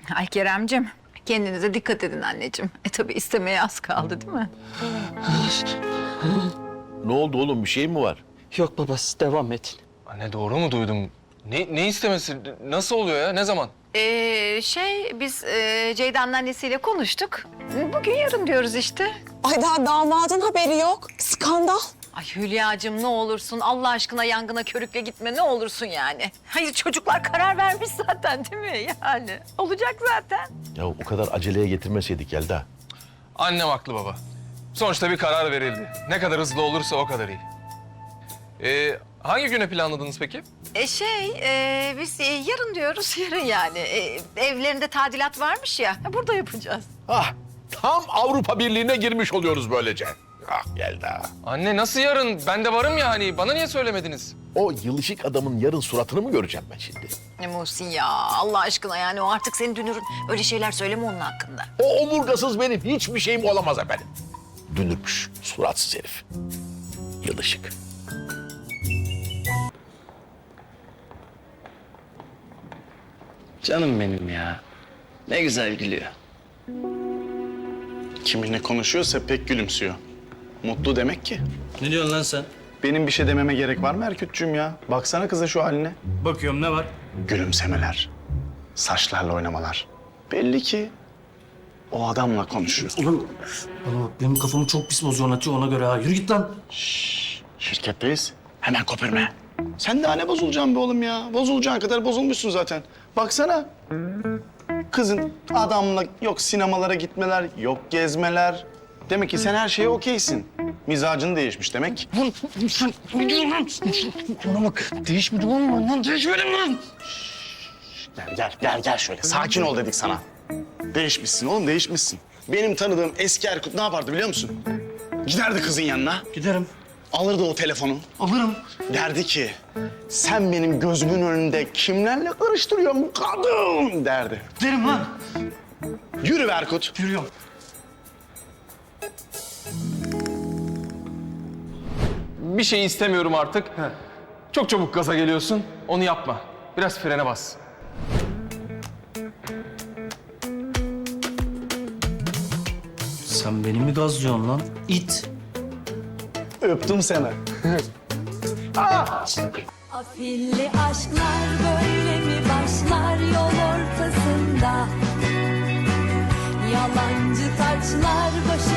Ay Keremcim, kendinize dikkat edin anneciğim. Tabii istemeye az kaldı değil mi? Ne oldu oğlum, bir şey mi var? Yok babası, devam edin. Anne doğru mu duydum? Ne istemesi? Nasıl oluyor ya? Ne zaman? Biz Ceyda'nın annesiyle konuştuk. Bugün yarın diyoruz işte. Ay daha damadın haberi yok. Skandal. Ay Hülya'cığım ne olursun Allah aşkına yangına körükle gitme ne olursun yani. Hayır çocuklar karar vermiş zaten değil mi yani? Olacak zaten. Ya o kadar aceleye getirmeseydik Yelda. Annem haklı baba. Sonuçta bir karar verildi. Ne kadar hızlı olursa o kadar iyi. Hangi güne planladınız peki? Biz yarın diyoruz yarın yani. Evlerinde tadilat varmış ya burada yapacağız. Ah, tam Avrupa Birliği'ne girmiş oluyoruz böylece. Ah Yelda. Anne nasıl yarın? Ben de varım ya hani. Bana niye söylemediniz? O yılışık adamın yarın suratını mı göreceğim ben şimdi? Muhsin ya Allah aşkına yani o artık senin dünürün. Öyle şeyler söyleme onun hakkında. O omurgasız benim hiçbir şeyim olamaz efendim. Dünürmüş, suratsız herif. Yılışık. Canım benim ya. Ne güzel gülüyor. Kiminle konuşuyorsa pek gülümsüyor. Mutlu demek ki. Ne diyorsun lan sen? Benim bir şey dememe gerek var mı Erkütçüğüm ya? Baksana kıza şu haline. Bakıyorum ne var? Gülümsemeler, saçlarla oynamalar. Belli ki o adamla konuşuyor. Oğlum bak benim kafamı çok pis bozuyor atıyor ona göre ha. Yürü git lan. Şirketteyiz. Hemen köpürme. Sen daha ne bozulacaksın be oğlum ya? Bozulacağın kadar bozulmuşsun zaten. Baksana. Kızın adamla yok sinemalara gitmeler, yok gezmeler. Demek ki sen her şeye okeysin. Mizacın değişmiş demek. Bana bak değişmedi lan değişmedim lan. Gel şöyle. Sakin ol dedik sana. Değişmişsin oğlum, değişmişsin. Benim tanıdığım eski Erkut ne yapardı biliyor musun? Giderdi kızın yanına, Giderim. alırdı o telefonu. Alırım. Derdi ki, sen benim gözümün önünde kimlerle karıştırıyorsun bu kadın derdi. Derim lan. Yürü be Erkut. Yürüyorum. Bir şey istemiyorum artık. Çok çabuk gaza geliyorsun. Onu yapma. Biraz frene bas. Sen beni mi gazlıyorsun lan? İt. Öptüm seni. Afilli aşklar böyle mi başlar yol ortasında? Yalancı taçlar başı